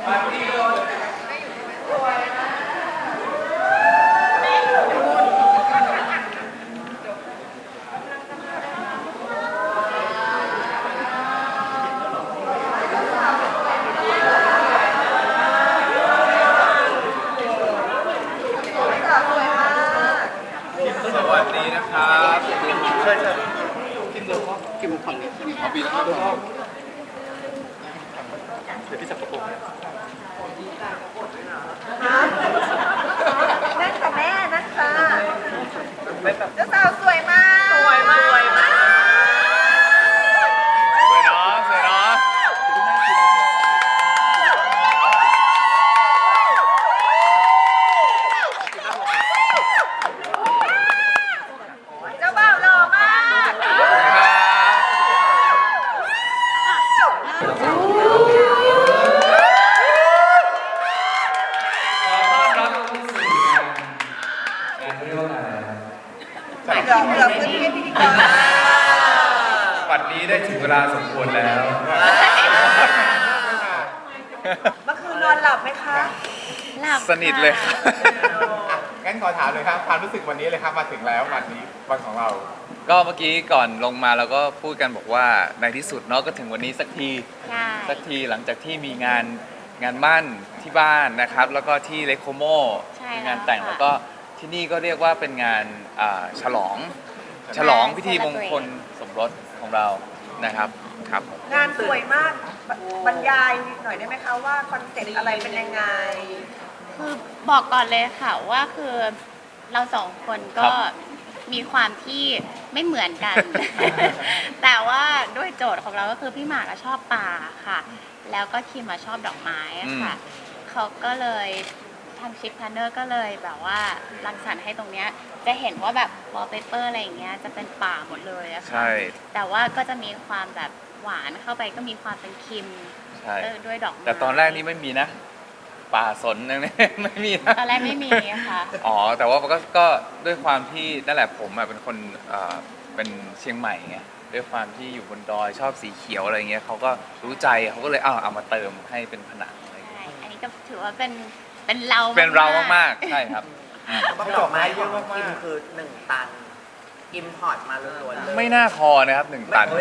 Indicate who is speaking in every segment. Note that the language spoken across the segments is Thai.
Speaker 1: สวัสดีนะครับใช่กินเลยครับกินฝั่งนี้เอาปีนะครับเดี๋ยวพี่จับกระโปรง
Speaker 2: นั่งค่ะแม่นั่งค่ะเจ้าสาวสวยมากสวยมากสวยมาก
Speaker 1: สวยเนาะสวยเนาะ
Speaker 2: เจ้าบ่าวหล่อมากเหลือพื้นที่พิธีกร
Speaker 1: วันนี้ได้ถึงเวลาสมควรแล้ว
Speaker 2: เมื่อคืนนอนหลับไหมคะ
Speaker 3: หลับ
Speaker 1: สนิทเลยครับ
Speaker 4: งั้นขอถามเลยครับความรู้สึกวันนี้เลยครับมาถึงแล้ววันนี้วันของเรา
Speaker 1: ก็เมื่อกี้ก่อนลงมาเราก็พูดกันบอกว่าในที่สุดเนาะก็ถึงวันนี้สักทีหลังจากที่มีงานมั่นที่บ้านนะครับแล้วก็ที่เลโคโมมีงานแต่งแล้วก็ที่นี่ก็เรียกว่าเป็นงานฉลองพิธีมงคลสมรสของเรานะครับครับ
Speaker 2: งานสวยมากบรรยายหน่อยได้ไหมคะว่าคอนเซ็ปต์อะไรเป็นยังไง
Speaker 3: คือบอกก่อนเลยค่ะว่าคือเราสองคนก็มีความที่ไม่เหมือนกัน แต่ว่าด้วยโจทย์ของเราก็คือพี่หมากชอบป่าค่ะแล้วก็คิมชอบดอกไม้ค่ะเขาก็เลยทางชิปพาร์เนอร์ก็เลยแบบว่ารังสรรค์ให้ตรงเนี้ยจะเห็นว่าแบบวอลเปเปอร์อะไรอย่างเงี้ยจะเป็นป่าหมดเลยอะค่ะแต่ว่าก็จะมีความแบบหวานเข้าไปก็มีความเป็นคิมด้วยดอกไม้
Speaker 1: แต่ตอนแรกนี่ไม่มีนะป่าสนนั่นไม่มีนะ
Speaker 3: ตอนแรกไม่มีค่ะ
Speaker 1: อ๋อแต่ว่าก็ด้วยความที่นั่นแหละผมเป็นคนเป็นเชียงใหม่ไงด้วยความที่อยู่บนดอยชอบสีเขียวอะไรเงี้ยเขาก็รู้ใจเขาก็เลยเอามาเติมให้เป็นผนังอะไรเงี้ย
Speaker 3: อันนี้ก็ถือว่าเป็น
Speaker 1: เรามากๆใช่ครับ
Speaker 2: ดอกไม้เยอะมากคิมคือ1 ตันอิมพอร์ตมาล้วนๆเลย
Speaker 1: ไม่น่าพอนะครับ1 ตัน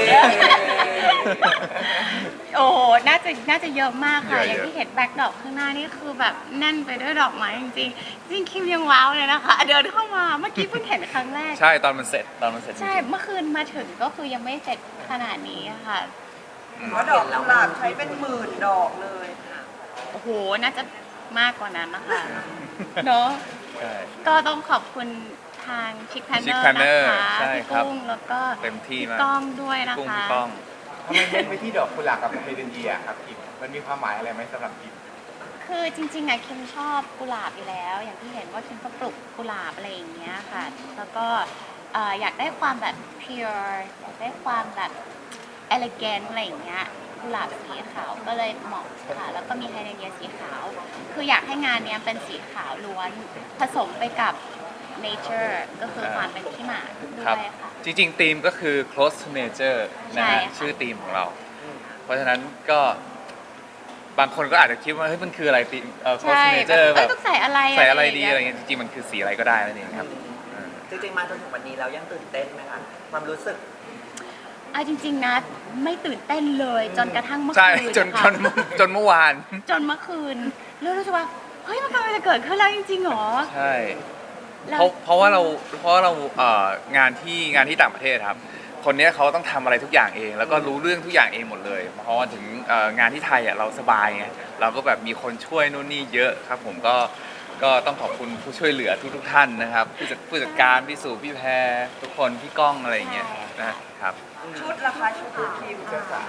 Speaker 3: โอ้โหน่าจะเยอะมากค่ะอย่างที่เห็นแบ็คดอกข้างหน้านี่คือแบบแน่นไปด้วยดอกไม้จริงๆจริงคิมยังว้าวเลยนะคะเดินเข้ามาเมื่อกี้เพิ่งเห็นครั้งแรก
Speaker 1: ใช่ตอนมันเสร็จ
Speaker 3: ใช่เมื่อคืนมาถึงก็คือยังไม่เสร็จขนาดนี้ค่ะ
Speaker 2: เพราะดอกกุหลาบใช้เป็นหมื่นดอกเลย
Speaker 3: โอ้โหน่าจะมากกว่านั้นนะคะเนาะก็ต้องขอบคุณทางชิคแพนเนอร์นะคะพี่กุ้งแล้วก็พี่ก้องด้วยนะคะ
Speaker 4: ทำไมเน้นไปที่ดอกกุหลาบกับเฮเดนเยียครับคิมมันมีความหมายอะไรไหมสำหรับคิม
Speaker 3: คือจริงๆคิมชอบกุหลาบอยู่แล้วอย่างที่เห็นว่าคิมก็ปลูกกุหลาบอะไรอย่างเงี้ยค่ะแล้วก็อยากได้ความแบบ pure อยากได้ความแบบ elegant อะไรอย่างเงี้ยกุหลาบสีขาวก็เลยเหมาะค่ะแล้วก็มีไฮเดรเนียสีขาวคืออยากให้งานนี้เป็นสีขาวล้วนผสมไปกับ nature ก็คือความเป็นขี้หมาด้วยค่ะ
Speaker 1: จริงๆธีมก็คือ close to nature นะฮะชื่อธีมของเราเพราะฉะนั้นก็บางคนก็อาจจะคิดว่าเฮ้ยมันคืออะไรธีมclose to nature แบบ
Speaker 3: ต้องใส่อะไร
Speaker 1: ดีอะไรเงี้ยจริงๆมันคือสีอะไรก็ได้นั่นเองครับ
Speaker 2: จริงๆมาจนถึงวันนี้เรายังตื่นเต้นไหมคะความรู้สึก
Speaker 3: จริงๆนะไม่ตื่นเต้นเลยจนกระทั่งเมื่อ
Speaker 1: คืนจนเมื่อวาน
Speaker 3: จนเมื่อคืนรู้สึกว่าเฮ้ยมันกำลังจะเกิดขึ้นแล้วจริงๆหรอ
Speaker 1: ใช่เพราะว่าเรางานที่ต่างประเทศครับคนนี้เขาต้องทำอะไรทุกอย่างเองแล้วก็รู้เรื่องทุกอย่างเองหมดเลยเพราะว่าถึงงานที่ไทยเราสบายไงเราก็แบบมีคนช่วยนู่นนี่เยอะครับผมก็ต้องขอบคุณผู้ช่วยเหลือทุกท่านนะครับผู้จัดการพี่สุพี่แพรทุกคนพี่ก้องอะไรอย่างเงี้ยนะครับ
Speaker 2: ชุดราคาชุดคิมค่ะ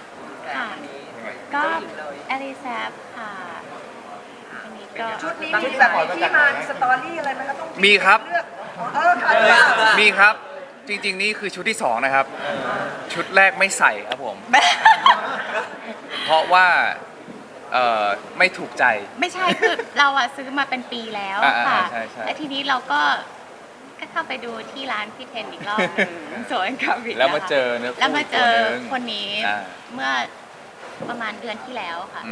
Speaker 3: ก็เอลิซาค่ะ
Speaker 2: ชุดนี้มีแบบที่มาสตอรี่อะไรไหมคะต้อง
Speaker 1: มีครับ
Speaker 2: มี
Speaker 1: ครับจริงๆนี่คือชุดที่2นะครับชุดแรกไม่ใส่ครับผมเพราะว่าไม่ถูกใจ
Speaker 3: ไม่ใช่คือเราซื้อมาเป็นปีแล้วค่ะและทีนี้เราก็เข้าไปดูที่ร้านพี่เทนอีกรอบนึงโซนคาวิ
Speaker 1: แล้วมาเจอ
Speaker 3: คนนี้เมื่อประมาณเดือนที่แล้วค่ะ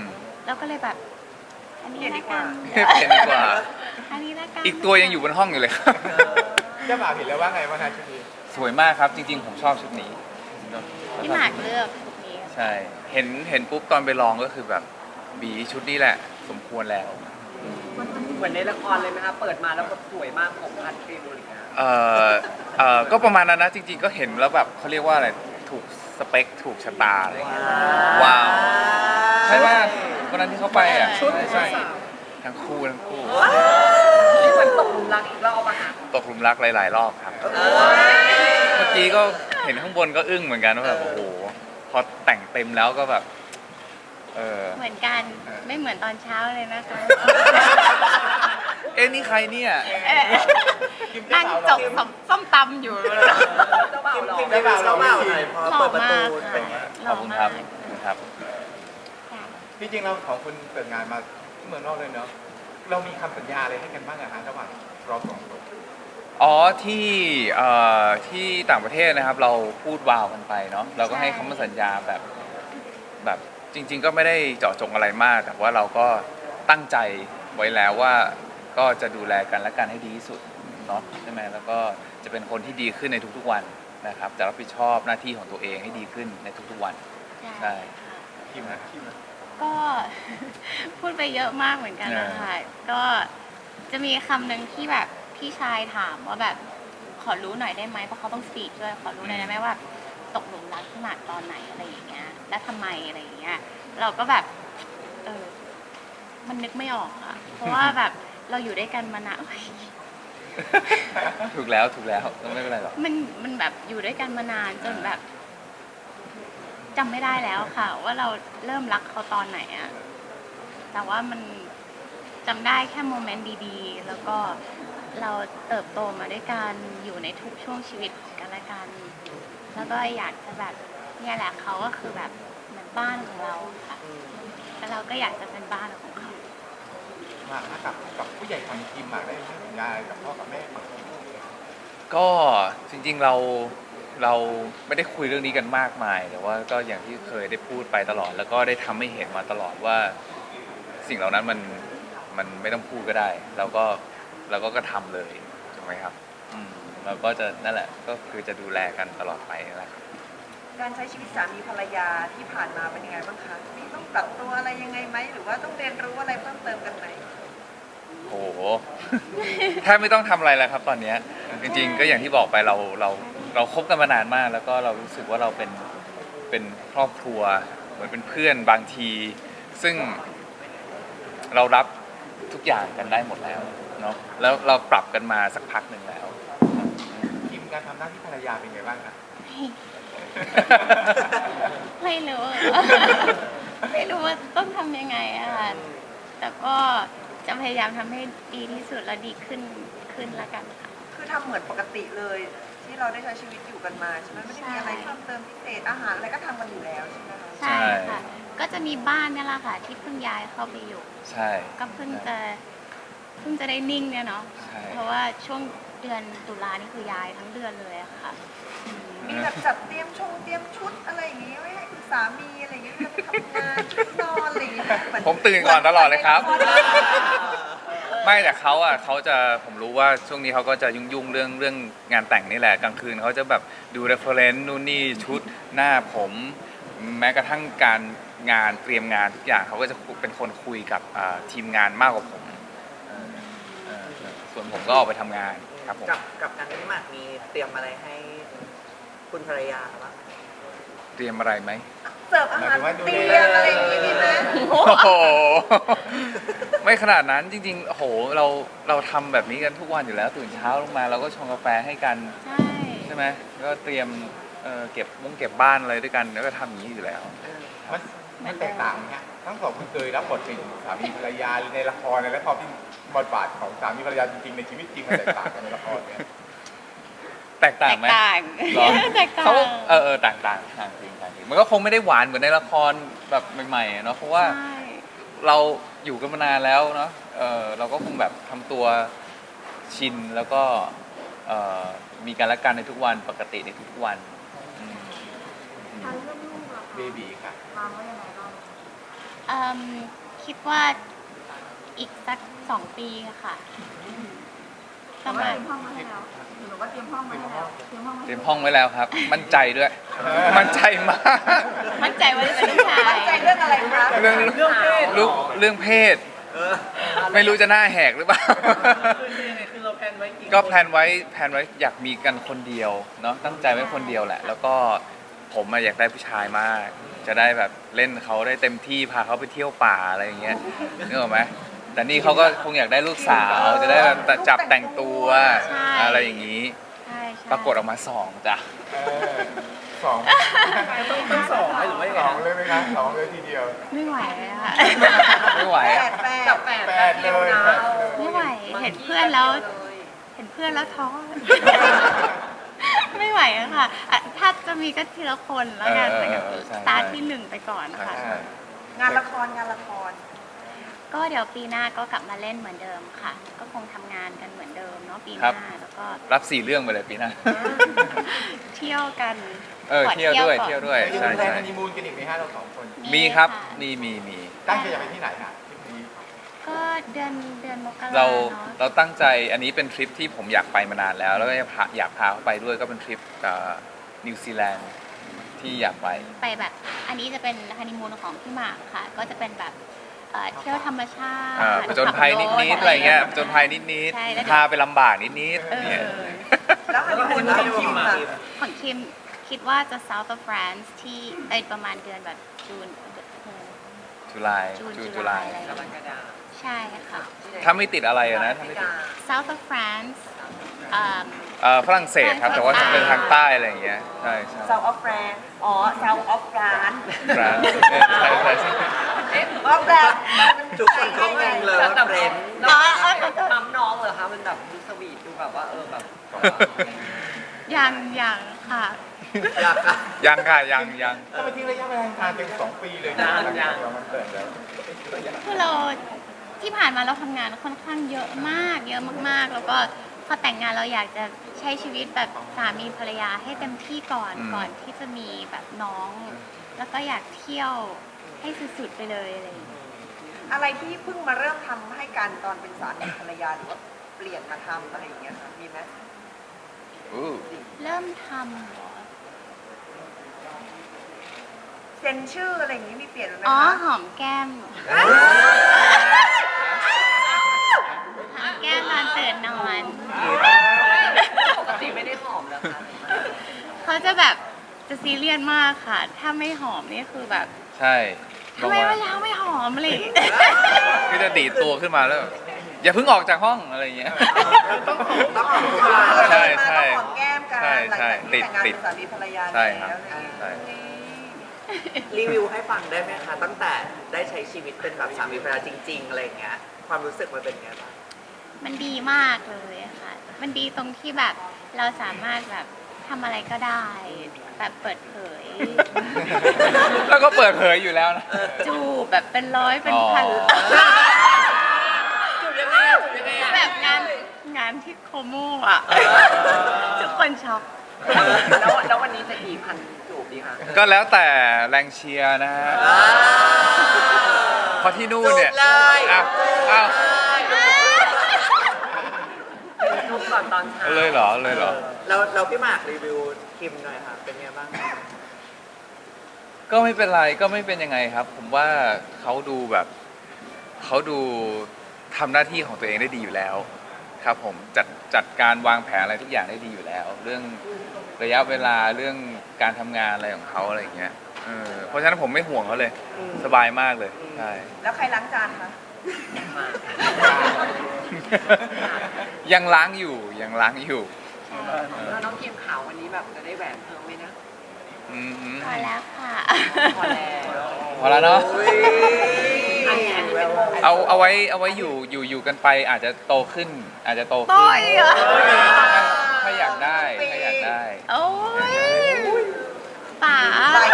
Speaker 3: เราก็เลยแบบอันนี้ละกัน
Speaker 1: เปลี่ยนดีกว่า
Speaker 3: อันนี้ละกัน
Speaker 1: อีกตัวยังอยู่บนห้องอยู่เลยครับ
Speaker 4: เจ้าบ่าวเห็นแล้วว่าไงบ้างฮะชุดนี้
Speaker 1: สวยมากครับจริงๆผมชอบชุดนี้
Speaker 3: พี่หมากเลือกชุดนี้
Speaker 1: ใช่เห็นปุ๊บตอนไปลองก็คือแบบบีชุดนี้แหละสมควรแล้ว
Speaker 2: เหมือนในละครเลยไหมคะเปิดมาแล้วแบบสวยมากผมพันฟิลอะไรอย่างเงี้ย
Speaker 1: ก็ประมาณนั้นนะจริงๆก็เห็นแล้วแบบเขาเรียกว่าอะไรถูกสเปคถูกชะตาอะไรอย่างเงี้ยว้าวใช่ป่ะวันนั้นที่เขาไปอ่ะใช่ทั้งคู่
Speaker 2: นี่เหมือนตกหลุมรักอีกรอบอะค่ะ
Speaker 1: ตกหลุมรักหลายๆรอบครับ เมื่อกี้ก็เห็นข้างบนก็อึ้งเหมือนกันว่าแบบโอ้โหพอแต่งเต็มแล้วก็แบบ
Speaker 3: เหมือนกันไม่เหมือนตอนเช้าเลยนะคะ
Speaker 1: เอ๊ะนี่ใครเนี่ย
Speaker 3: นั่งจกส้มตำอยู่
Speaker 2: เจ้าบ่าวหรอ
Speaker 4: เจ้าบ่าวเราไม่ผิด
Speaker 3: หล่อมากค่ะห
Speaker 1: ข
Speaker 3: ล่
Speaker 1: อ
Speaker 3: อบ
Speaker 1: คุณ
Speaker 3: มา
Speaker 1: ครั
Speaker 3: ก
Speaker 1: บครับ
Speaker 3: ค่ะ
Speaker 4: ที่จริงเราของคุณเปิดงานมาที่เมืองนอกเลยเนาะเรามีคำสัญญาอะไรให้กันบ้างอะฮะระหว่างเราสองคน
Speaker 1: อ๋อที่ต่างประเทศนะครับ เราพูดวาวกันไปเนาะเราก็ให้คำมั่นสัญญาแบบจริง ๆ ก็ไม่ได้เจาะจงอะไรมาก แต่ว่าเราก็ตั้งใจไว้แล้วว่าก็จะดูแลกันและกันให้ดีที่สุดเนาะใช่ไหมแล้วก็จะเป็นคนที่ดีขึ้นในทุกๆวันนะครับจะรับผิดชอบหน้าที่ของตัวเองให้ดีขึ้นในทุกๆวัน ใช่
Speaker 4: คิมนะคิมนะ
Speaker 3: ก็ พูดไปเยอะมากเหมือนกันนะคะก็จะมีคำหนึ่งที่แบบพี่ชายถามว่าแบบขอรู้หน่อยได้ไหมเพราะเขาต้องสปีกด้วยขอรู้หน่อยได้ไหมว่าตกหลุมรักขนาดตอนไหนอะไรอย่างเงี้ยและทำไมอะไรอย่างเงี้ยเราก็แบบมันนึกไม่ออกอะเพราะว่าแบบเราอยู่ด้วยกันมานาน
Speaker 1: ถูกแล้วก็ไม่เป็นไรหรอก
Speaker 3: มันแบบอยู่ด้วยกันมานานจนแบบจำไม่ได้แล้วค่ะ ว่าเราเริ่มรักเขาตอนไหนอะแต่ว่ามันจำได้แค่โมเมนต์ดีๆ แล้วก็เราเติบโตมาด้วยกันอยู่ในทุกช่วงชีวิตของกันและกัน แล้วก็อยากจะแบบเนี่ยแหละเขาก็คือแบบเหมือนบ้านของเราค่ะแล้วเราก็อยากจะเป็นบ้านของเขา
Speaker 4: มากับผู้ใหญ่ของคิมได้ให้สัญญาอะไรกับพ่อกับแม่ของคิม
Speaker 1: ก็จริงๆเราไม่ได้คุยเรื่องนี้กันมากมาย แต่ว่าก็อย่างที่เคยได้พูดไปตลอด แล้วก็ได้ทำให้เห็นมาตลอดว่าสิ่งเหล่านั้นมันไม่ต้องพูดก็ได้เราก็ทำเลยถูกไหมครับเราก็จะนั่นแหละก็คือจะดูแลกันตลอดไปนั่นแหละครับ
Speaker 2: การใช้ชีวิตสามีภรรยาที่ผ่านมาเป็นยังไงบ้างคะมีต้องปรับตัวอะไรยังไงไหมหรือว่าต้องเรียนรู้อะไรเพิ่มเติมกันไหม
Speaker 1: โอ้โห แทบไม่ต้องทำอะไรแล้วครับตอนเนี้ยจริงๆก็อย่างที่บอกไปเราคบกันมานานมาก แล้วก็เรารู้สึกว่าเราเป็นครอบครัวเหมือนเป็นเพื่อนบางที ซึ่งเรารับทุกอย่างกันได้หมดแล้วเนาะแล้วเราปรับกันมาสักพักหนึ่งแล้ว
Speaker 4: คิมการทำหน้าที่ภรรยาเป็นไงบ้างคะ
Speaker 3: ไม่รู้ ไม่รู้ว่าต้องทำยังไงอะค่ะแต่ก็จะพยายามทำให้ดีที่สุดและดีขึ้นละกันค่ะ
Speaker 2: คือทำเหมือนปกติเลย ที่เราได้ใช้ชีวิตอยู่กันมาใช่ไหมไม่ได้มีอะไรเพิ่มเติมพิเศษอาหารอะไรก็ทำกันอยู่แล้วใช่ไหมคะ
Speaker 3: ใช่ค่ะ ก็จะมีบ้านเนี่ยแหละค่ะ ที่เพิ่งย้ายเข้าไปอยู่
Speaker 1: ใช่
Speaker 3: ก็เพิ่งจะได้นิ่งเนี่ยเนาะ
Speaker 1: ใช่
Speaker 3: เพราะว่าช่วงเดือนตุลานี่คือย้ายทั้งเดือนเลยอะค่ะ
Speaker 2: มีแบบจัดเตรียมชุดอะไรอย่างงี้ไว้ให้คุณสามีอะไรอย่างงี้เวลาไปทำงานชุดนอนอะไรอย่างงี้เหมือน
Speaker 1: ผมตื่นก่อนตลอดเลยครับ ไม่แต่เขาจะผมรู้ว่าช่วงนี้เขาก็จะยุ่งเรื่องงานแต่งนี่แหละกลางคืนเขาจะแบบดู reference นู่นนี่ชุดหน้าผมแม้กระทั่งการงานเตรียมงานทุกอย่างเขาก็จะเป็นคนคุยกับทีมงานมากกว่าผมส่วนผมก็ออกไปทำงานครับผม
Speaker 5: กับการที่หมากมีเตรียมอะไรให้คุณภรรยาบ้าง
Speaker 1: เตรียมอะไรไหม
Speaker 2: เสิร์ฟอาหารเตรียมอะไรอย่างงี้มีไหม
Speaker 1: โอ้โห ไม่ขนาดนั้นจริงๆโอ้โหเราทำแบบนี้กันทุกวันอยู่แล้วตื่นเช้าลงมาเราก็ชงกาแฟให้กัน ใช่ไหมก็เตรียมเก็บบ้านอะไรด้วยกันแล้วก็ทำอย่างนี้อยู่แล้ว
Speaker 4: มันแตกต่างไหมฮะทั้งสองคนเคยรับบทเป็นสามีภรรยาในละครและพอที่บทบาทของสามีภรรยาจริงๆในชีวิตจริงมันแตกต่างกันในละครเนี่ย
Speaker 1: แตกต่างไหม
Speaker 3: ต่าง
Speaker 1: เหรอ
Speaker 3: แตกต่าง
Speaker 1: เขาต่างจริงมันก็คงไม่ได้หวานเหมือนในละครแบบใหม่ๆอะเนาะเพราะว่า
Speaker 3: ใช่
Speaker 1: เราอยู่กันมานานแล้วเนาะเราก็คงแบบทำตัวชินแล้วก็มีการละกันในทุกวันปกติในทุกๆวันอืม
Speaker 4: เบบีค่ะ
Speaker 3: เอิ่มคคิดว่าอีกสัก2 ปีค่ะประมาณ
Speaker 2: หรือว่าเตรียมห้องมาให้แล้วเตรียมห้องมา
Speaker 1: เตรียมห้องไว้แล้วครับ มั่นใจด้วย มั่นใจมาก
Speaker 3: มั่นใจว่าจะเป็นลูกชาย
Speaker 2: มั่นใจเรื่องอะไรคะ
Speaker 1: เรื่องเพศ ไม่รู้จะหน้าแหกหรือเปล่า
Speaker 5: คือเราแพลนไว้กี่
Speaker 1: ก็แพลนไว้อยากมีกันคนเดียวเนาะตั้งใจไว้คนเดียวแหละ แล้วก็ผมอะอยากได้ผู้ชายมาก จะได้แบบเล่นเขาได้เต็มที่พาเขาไปเที่ยวป่าอะไรอย่างเงี้ยนึกออกไหมแต่นี่เขาก็คงอยากได้ลูกสาวจะได้แบบจับแต่งตัวอะไรอย่างนี้
Speaker 3: ใช่ใช่
Speaker 1: ปรากฏออกมา2จ้ะ
Speaker 4: เออสอง
Speaker 5: ต้องสองไหมหรือว่ายัง
Speaker 4: ส
Speaker 5: ไง
Speaker 4: องเลยไหมคะสองเลยทีเดียว
Speaker 3: ไม่ไหวเลยค่ะ
Speaker 1: ไม่ไหว
Speaker 2: แป
Speaker 1: อะ
Speaker 2: ดแปด
Speaker 5: จับแปด
Speaker 4: แปดเลย
Speaker 3: ไม่ไหวเห็นเพื่อนแล้วท้อ ไม่ไหวอะค่ะอะถ้าจะมีก็ทีละคนแล้วกันแต่กับ
Speaker 1: ใช่
Speaker 3: สตาร์ทที่1ไปก่อนนะคะ
Speaker 1: ใช่
Speaker 2: งานละคร
Speaker 3: ก็เดี๋ยวปีหน้าก็กลับมาเล่นเหมือนเดิมค่ะ ก็คงทำงานกันเหมือนเดิมเนาะปีหน้าแล้วก็
Speaker 1: รับ4เรื่องไปเลยปีหน้า
Speaker 3: เที่ยวกัน ขอ
Speaker 1: เที่ยวด้วย
Speaker 3: ก่อน
Speaker 1: เที่ยวด้วย
Speaker 4: จะ
Speaker 1: ใช่
Speaker 4: มีแพลน
Speaker 1: ใช่
Speaker 4: ฮันนีมูนกันอีกไหมฮะเราสองคน
Speaker 1: มีครับ
Speaker 3: ะ
Speaker 1: มี
Speaker 4: ตั้งใจจะไปที่ไหนฮะทริปนี้
Speaker 3: ก็เดือนมกรา
Speaker 1: เรา
Speaker 3: เนาะ
Speaker 1: เราตั้งใจอันนี้เป็นทริปที่ผมอยากไปมานานแล้ว แล้วก็อยากพาเขาไปด้วยก็เป็นทริปนิวซีแลนด์ที่อยากไป
Speaker 3: ไปแบบ อันนี้จะเป็นฮันนีมูนของพี่หมากค่ะ ก็จะเป็นแบบเที่ยวธรรมชาติ
Speaker 1: ผจญภัยนิดๆอะไรเงี้ยผจญภัยนิด
Speaker 3: ใช่แล้ว
Speaker 1: ๆพาไปลำบากนิด
Speaker 3: เอ
Speaker 1: ๆเนี่ย
Speaker 3: อ
Speaker 2: ๆ แล้วฮันนีมูนของคิมอะ
Speaker 3: ของคิมคิดว่าจะ South of France ที่ประมาณเดือนแบบจูน
Speaker 1: จุลาย
Speaker 3: จุลายอะไร
Speaker 5: กรกฎา
Speaker 3: ใช่ค่ะ
Speaker 1: ถ้าไม่ติดอะไรอะนะถ้าไม่ติด
Speaker 3: South of France
Speaker 1: ฝรั่งเศสครับ แต่ว่าจะเป็นทางใต้อะไรอย่างเงี้ยใช่ใช่
Speaker 2: South of France อ๋อ South of France
Speaker 1: ฟรานซ์ใช่ใช่ใช่
Speaker 2: ออฟแล้ว
Speaker 5: ทุกคนเขางงเลยว่าเฟรนด์
Speaker 3: อ๋ออ๋อ
Speaker 5: ปั๊มน้องเหรอคะมันแบบดูสวีทดูแบบว่าแบบ
Speaker 3: ยังค่ะ
Speaker 5: อยากอะ
Speaker 1: ยังค่ะยัง
Speaker 4: ก็ไปทิ้งระยะเวลานานเต็ม2 ปีเลยนะหลังจากเรามันเกิดแล้ว
Speaker 3: คือเราที่ผ่านมาเราทำงานค่อนข้างเยอะมากเยอะมากๆ แล้วก็พอแต่งงานเราอยากจะใช้ชีวิตแบบสามีภรรยาให้เต็มที่ก่อนที่จะมีแบบน้อง แล้วก็อยากเที่ยวให้สุดๆไปเลยอะไรอย่างเงี้ย
Speaker 2: อะไรที่เพิ่งมาเริ่มทำให้กันตอนเป็นสามีภรรยาหรือว่าเปลี่ยนมาทำอะไรอย่างเงี้ยค่ะมีไหม
Speaker 1: อู้
Speaker 3: เริ่มทำเหรอ
Speaker 2: เซ็นชื่ออะไรอย่างงี้มีเปลี่ยนไหม
Speaker 3: อ๋อ
Speaker 2: คะ
Speaker 3: หอมแก้มหอมแก้มตอนตื่นนอน
Speaker 5: ปกติไม่ได้หอมแล้วค่ะ
Speaker 3: เขาจะแบบจะซีเรียสมากค่ะ ถ้าไม่หอมนี่คือแบบ
Speaker 1: ใช่
Speaker 3: ทำไมเวลาไม่หอมอะไรอย่างเลย
Speaker 1: ก็จะดีดตัวขึ้นมาแล้วแบบอย่าเพิ่งออกจากห้องอะไรอย่างเงี้ย
Speaker 5: ต้องหอมต้องหอมทุกวัน
Speaker 1: ใช่ใช่
Speaker 2: หอมแก้มกัน
Speaker 1: ใช่
Speaker 2: หลัง
Speaker 1: ใช่
Speaker 2: จากที่แต่งงาน
Speaker 1: ติ
Speaker 2: เป็
Speaker 1: ด
Speaker 2: นสามีภรรยา
Speaker 1: ใช่
Speaker 2: แล้ว
Speaker 1: ครับ
Speaker 2: อะไรอย่างเงี้ย
Speaker 1: ใช่
Speaker 5: รีวิวให้ฟังได้ไหมคะ ตั้งแต่ได้ใช้ชีวิตเป็นแบบสามีภรรยาจริง ๆ อะไรอย่างเงี้ย ความรู้สึกมันเป็นไงบ้าง
Speaker 3: มันดีมากเลยค่ะ มันดีตรงที่แบบเราสามารถแบบทำอะไรก็ได้ แบบเปิดเผย
Speaker 1: แล้วก็เปิดเผยอยู่แล้วนะ
Speaker 3: จูบแบบเป็นร้อยเป็นพัน
Speaker 1: อ๋อ
Speaker 5: จูบยังไงอะจูบยังไงอะ
Speaker 3: แบบงานที่โคโมอ่ะ ทุกคนช็อก
Speaker 5: แล้ววันนี้จะกี่พันจูบดีคะ
Speaker 1: ก็แล้วแต่แรงเชียร์นะฮะเพราะที่นู่นเนี่ย
Speaker 5: จูบเลย
Speaker 1: อ้าว
Speaker 5: จูบก่อนตอนเช้า
Speaker 1: เลยเหรอเลยเหรอ
Speaker 5: เราพี่หมากรีวิวคิมหน่อยค่ะ เป็นไงบ้าง
Speaker 1: ก็ไม่เป็นไรก็ไม่เป็นยังไงครับ ผมว่าเขาดูแบบเขาดูทำหน้าที่ของตัวเองได้ดีอยู่แล้ว ครับผมจัดการวางแผนอะไรทุกอย่างได้ดีอยู่แล้ว เรื่องระยะเวลาเรื่องการทำงานอะไรของเขาอะไรอย่างเงี้ยเพราะฉะนั้นผมไม่ห่วงเขาเลย สบายมากเลยใช่
Speaker 2: แล้วใครล้างจานคะ
Speaker 1: ยังล้างอยู่ยังล้างอยู่
Speaker 5: แล้วน้องคิมขาววันนี้แบบจะได้แหวนเพิ่มไหมนะ
Speaker 1: อืม
Speaker 3: พอแล้วค่ะ
Speaker 5: พอแล้ว
Speaker 1: พอแล้วเนาะ
Speaker 5: อันนี้เป็นวง
Speaker 1: เอาไว้อยู่กันไปอาจจะโตขึ้น อาจจะโตขึ้น
Speaker 3: โตอีกเหรอ
Speaker 1: ถ้าอยากได้ถ้าอยากได้
Speaker 3: โอ้ยป๋า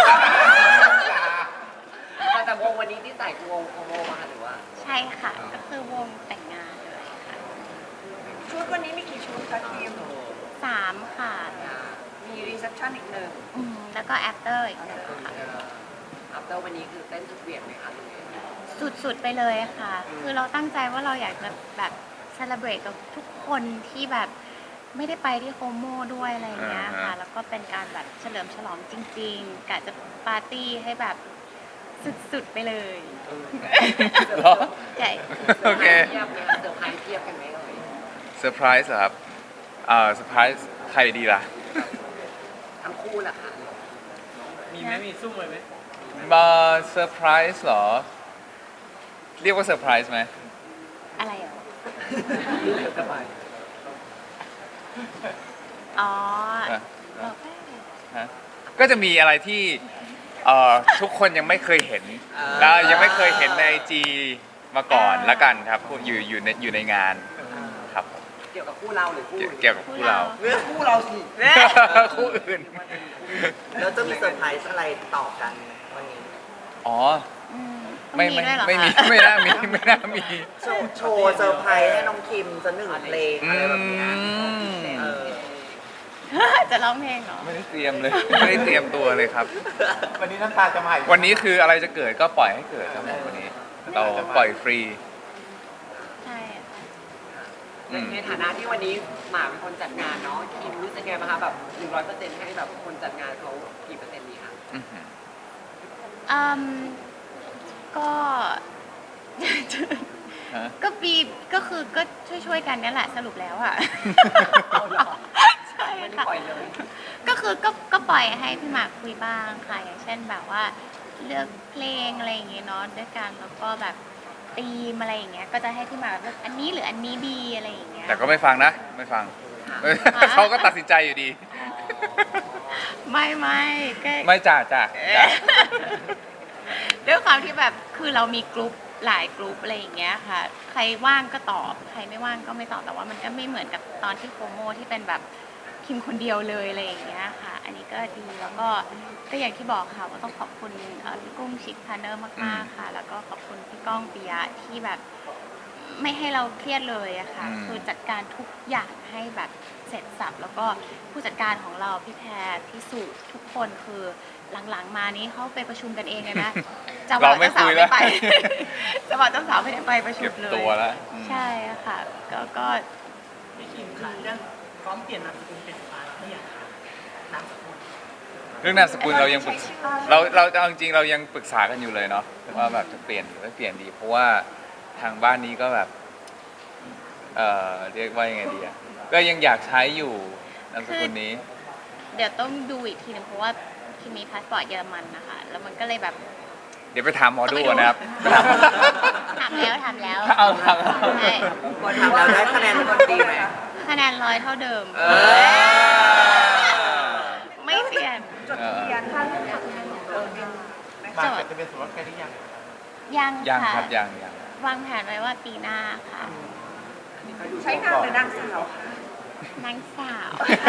Speaker 5: แต่วงวันนี้ที่ใส่คือวงโคโมมาค่ะหรือว่า
Speaker 3: ใช่ค่ะ ก็คือวงแต่งงานเลยค่ะ
Speaker 2: ชุดวันนี้มีกี่ชุดคะคิม
Speaker 3: 3 ค่ะ
Speaker 2: มีรีเซพชันอีกหนึ่ง
Speaker 3: แล้วก็ after อีกหนึ่งค่ะ
Speaker 2: อ
Speaker 6: อัปเตอร์วันนี้คือเต้นสุดเหวี่ยงไหมคะหรือไง
Speaker 3: สุดๆไปเลยค่ะ คือเราตั้งใจว่าเราอยากจะแบบเซเลบรตกับทุกคนที่แบบไม่ได้ไปที่โฮโมด้วยอะไรอย่างเงี้ยค่ะ แล้วก็เป็นการแบบเฉลิมฉลองจริงๆกะจะปาร์ตี้ให้แบบสุดๆไปเลย
Speaker 1: เหรอ
Speaker 3: ใช่
Speaker 1: โอเค
Speaker 6: เทียบไหมคะเซอร์ไพรส์เทียบกันไหมเอ่ย
Speaker 1: เซอร์ไพรส์เหรอครับเซอร์ไพรส์ใครดีล่ะ
Speaker 6: ทั้งคู่แหละค่ะ
Speaker 3: มีไหมมีซุ่ม
Speaker 1: มาเซอร์ไพรส์เหรอ เรียกว่าเซอร์ไพรส์ไหม
Speaker 3: อะไรอ่ะ
Speaker 6: สบาย
Speaker 3: อ๋อ
Speaker 1: อ่ะ
Speaker 3: บอกได้
Speaker 1: ฮะก็จะมีอะไรที่ทุกคนยังไม่เคยเห็น
Speaker 5: อ่า
Speaker 1: แล้วยังไม่เคยเห็นใน IG มาก่อนละกันครับอยู่ในงานครับผม
Speaker 6: เกี่ยวกับคู่เราหรือคู่อื่น
Speaker 1: เกี่ยวกับคู่เรา
Speaker 5: เรื่องคู่เราสิ
Speaker 1: คู่อื่น
Speaker 5: แล้วจะมีเซอร์ไพรส์อะไรต่อกันวันนี้
Speaker 1: อ๋อ
Speaker 3: อืมต้อง
Speaker 1: ไม่
Speaker 3: มีด้วยเหรอ
Speaker 1: ไม่มี
Speaker 3: คะ
Speaker 1: ไม่น่ามีไม่น่ามี
Speaker 5: โชว์เซอร์ไพรส์ให้น้องคิมสักหนึ่งเพลง
Speaker 1: อื
Speaker 5: อะไรแบบเนี้ย
Speaker 1: ม
Speaker 5: เออ
Speaker 3: จะร้องเพลงเหรอ
Speaker 1: ไม่ได้เตรียมเลย ไม่ได้เตรียมตัวเลยครับ
Speaker 4: วันนี้น้ำตาจะมาอีก
Speaker 1: วันนี้คืออะไรจะเกิดก็ปล่อยให้เกิดครับผมวันนี้ เราปล่อยฟรี
Speaker 3: ใช่
Speaker 1: อืม
Speaker 6: ในฐานะที่วันนี้หมากเป็นคนจัดงานเนาะคิมรู้สึกไงบ้างคะแบบ100%ให้แบบคนจัดงานเขากี่เปอร์เซ็นต์ดีคะ
Speaker 1: อื้อหือ
Speaker 3: อืมก็
Speaker 1: ฮะ
Speaker 3: ก็มีก็คือก็ช่วยๆกันเนี่ยแหละสรุปแล้วอ่ะ ใช่
Speaker 6: ไม่ได้
Speaker 3: ค่ะ
Speaker 6: ปล่อยเลย
Speaker 3: ก็คือก็ปล่อยให้พี่หมากคุยบ้างค่ะ อย่างเช่นแบบว่าเลือกเพลงอะไรอย่างเงี้ยเนาะด้วยกันแล้วก็แบบธีมอะไรอย่างเงี้ยก็จะให้พี่หมากเลือกอันนี้หรืออันนี้ดีอะไรอย่างเงี้ย
Speaker 1: แต่ก็ไม่ฟังนะ ไม่ฟัง เขาก็ตัดสินใจอยู่ดี
Speaker 3: ไม่ก็
Speaker 1: ไม่จ่า
Speaker 3: ด้วยความที่แบบคือเรามีกลุ่มหลายกลุ่มอะไรอย่างเงี้ยค่ะ ใครว่างก็ตอบ ใครไม่ว่างก็ไม่ตอบแต่ว่ามันก็ไม่เหมือนกับตอนที่โปรโมที่เป็นแบบคิมคนเดียวเลยอะไรอย่างเงี้ยค่ะ อันนี้ก็ดีแล้วก็อย่างที่บอกค่ะว่าต้องขอบคุณพี่กุ้งชิคพาร์เนอร์มากๆค่ะ แล้วก็ขอบคุณพี่ก้องปิยะที่แบบไม่ให้เราเครียดเลยอะค่ะ คือจัดการทุกอย่างให้แบบเสร็จสับแล้วก็ผู้จัดการของเราพี่แพรพี่สุทุกคนคือหลังๆมานี้เขาไปประชุมกันเองเลยนะเจ้าบ่าวเจ้าสาวไม่ไป เจ้าบ่าวเจ้าสาวไม่ได้ไปประชุ
Speaker 1: เก็
Speaker 3: ม
Speaker 1: บ
Speaker 3: เลย
Speaker 1: ตัวแล้วอืม
Speaker 3: ใช่ค่ะก็
Speaker 7: พี่คิมค่ะเรื่องพร้อมเปลี่ยนนามสกุลเป็นฟ้าแล้วอยากถามนามสกุล
Speaker 1: เรื่องนามสกุลเรายังปรึกษาเราเอาจริงๆเรายังปรึกษากันอยู่เลยเนาะว่าแบบจะเปลี่ยนหรือไม่เปลี่ยนดี เพราะว่าทางบ้านนี้ก็แบบเรียกว่ายังไงดีอะก็ยังอยากใช้อยู่นามสกุลนี้
Speaker 3: เดี๋ยวต้องดูอีกทีนึงเพราะว่าคิมมีพาสปอร์ตเยอรมันนะคะแล้วมันก็เลยแบบ
Speaker 1: เดี๋ยวไปถามหมอดูก่อนนะครับไปถาม
Speaker 3: ถามแล้ว
Speaker 1: เอาถาม
Speaker 3: ใช่
Speaker 5: พอทำเราได้คะแนนคนดีไหม
Speaker 3: คะแนน100เท่าเดิม
Speaker 5: เออ
Speaker 3: ไม่เปลี่ยน
Speaker 2: จดทะเบียนท่านอยากเป็นไหม
Speaker 4: มา
Speaker 2: คะ
Speaker 4: จะเป็นสมรสกันหรือยัง
Speaker 3: ยัง
Speaker 1: ยัง
Speaker 3: ค่ะ
Speaker 1: ครับยัง
Speaker 3: วางแผนไว้ว่าปีหน้าค่ะ
Speaker 2: ใช้นามหรือนางสาวคะ
Speaker 3: นางสาว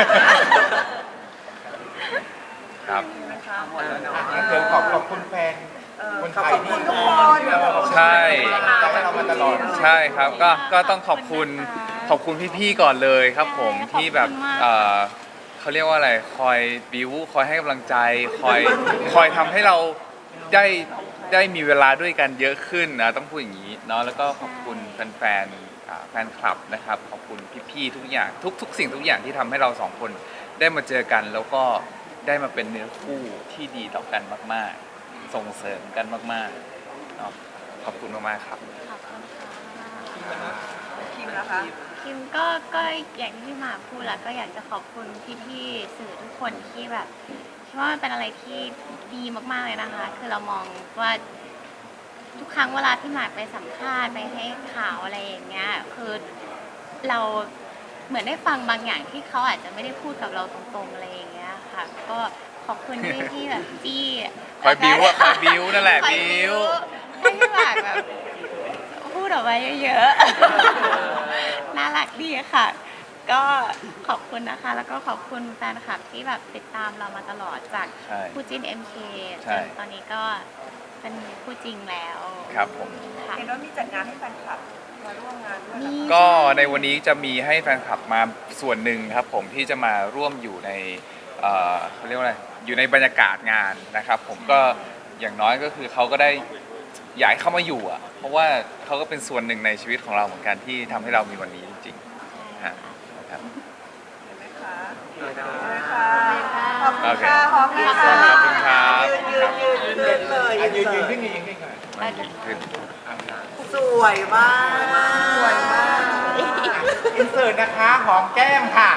Speaker 1: ครับ
Speaker 2: นะคะ
Speaker 6: หมดแล้วเนาะ
Speaker 4: งั้นเกินขอบคุณแฟน คนไทย
Speaker 2: ขอบคุณทุกคน
Speaker 1: ใช่
Speaker 4: ใจให้เรามาตลอด
Speaker 1: ใช่ครับก็ต้องขอบคุณพี่ๆก่อนเลยครับผม
Speaker 3: ใช่
Speaker 1: ที่แบบ
Speaker 3: ขอบคุณมาก
Speaker 1: เขาเรียกว่าอะไรคอยบิวคอยให้กำลังใจคอยทำให้เราได้มีเวลาด้วยกันเยอะขึ้นนะต้องพูดอย่างนี้เนาะแล้วก็ขอบคุณแฟนคลับนะครับขอบคุณพี่ๆทุกอย่างทุกสิ่งทุกอย่างที่ทำให้เราสองคนได้มาเจอกัน แล้วก็ได้มาเป็นเนื้อคู่ที่ดีต่อกันมากๆ ส่งเสริมกันมากๆเนาะขอบคุณมากๆครับ
Speaker 3: ขอบคุณค่ะ
Speaker 2: คิมนะคะ
Speaker 3: คิมก็อย่างที่พี่หมากพูดแหละก็อยากจะขอบคุณพี่ๆสื่อทุกคนที่แบบคิดว่ามันเป็นอะไรที่ดีมากๆเลยนะคะ คือเรามองว่าทุกครั้งเวลาพี่หมากไปสัมภาษณ์ไปให้ข่าวอะไรอย่างเงี้ยคือเราเหมือนได้ฟังบางอย่างที่เขาอาจจะไม่ได้พูดกับเราตรงๆอะไรอย่างเงี้ยค่ะ ก็ขอบคุณที่แบบจี้
Speaker 1: คอยบิ้วอะคอยบิ้วนั่นแหละ
Speaker 3: คอย
Speaker 1: บิ้ว
Speaker 3: ให้พี่หมากแบบพูดออกมาเยอะๆ น่ารักดีค่ะ ก็ขอบคุณนะคะ แล้วก็ขอบคุณแฟนคลับที่แบบติดตามเรามาตลอดจาก
Speaker 1: ใช่
Speaker 3: คู่จิ้น MK
Speaker 1: ใช่
Speaker 3: จนตอนนี้ก็เป็นคู่จริงแล้ว
Speaker 1: ครับผม
Speaker 3: ค่ะ
Speaker 2: เห็นว่ามีจัดงานให้แฟนคลับมาร่วมงานด้วย
Speaker 3: มี
Speaker 2: เหรอคะ
Speaker 1: ก็ในวันนี้จะมีให้แฟนคลับมาส่วนหนึ่งครับผมที่จะมาร่วมอยู่ในเขาเรียกว่าอะไรอยู่ในบรรยากาศงานนะครับ ผมก็อย่างน้อยก็คือเขาก็ได้อยากให้เข้ามาอยู่อ่ะเพราะว่าเขาก็เป็นส่วนหนึ่งในชีวิตของเราเหมือนกันที่ทำให้เรามีวันนี้จริงๆฮะครับ
Speaker 2: เห็นไหมคะ
Speaker 5: เห็นไหม
Speaker 2: เห็นไหมคะขอบคุณ
Speaker 1: โอเค
Speaker 2: ค่ะหอมเลยค่ะ
Speaker 1: ขอบคุณครับ
Speaker 5: ยืนเลย
Speaker 4: ยืนขึ้นยืนขึ้นก่อน
Speaker 1: ขึ้น
Speaker 5: สวยมาก
Speaker 2: สวยมาก
Speaker 4: อินเสิร์ตนะคะหอมแก้มค่ะ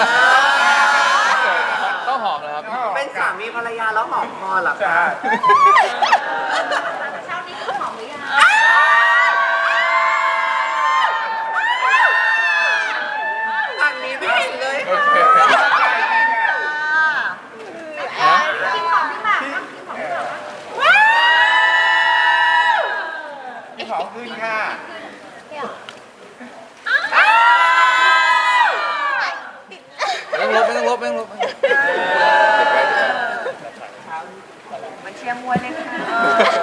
Speaker 1: ต้องหอมนะครับ
Speaker 5: เป็นสามีภรรยาแล้วหอมคอเหรอ
Speaker 4: ใช่
Speaker 5: คะ
Speaker 3: เช้านี้คือหอมหรือยัง
Speaker 5: อันนี้ไม่เห็นเลย
Speaker 1: โอเค
Speaker 3: กินของพี่หมากบ้างกินของพี่หมากบ้าง
Speaker 4: หอมขึ้นค่ะ
Speaker 1: ไม่ต้องลบ
Speaker 2: มันเชียร์มวยเลยค่ะ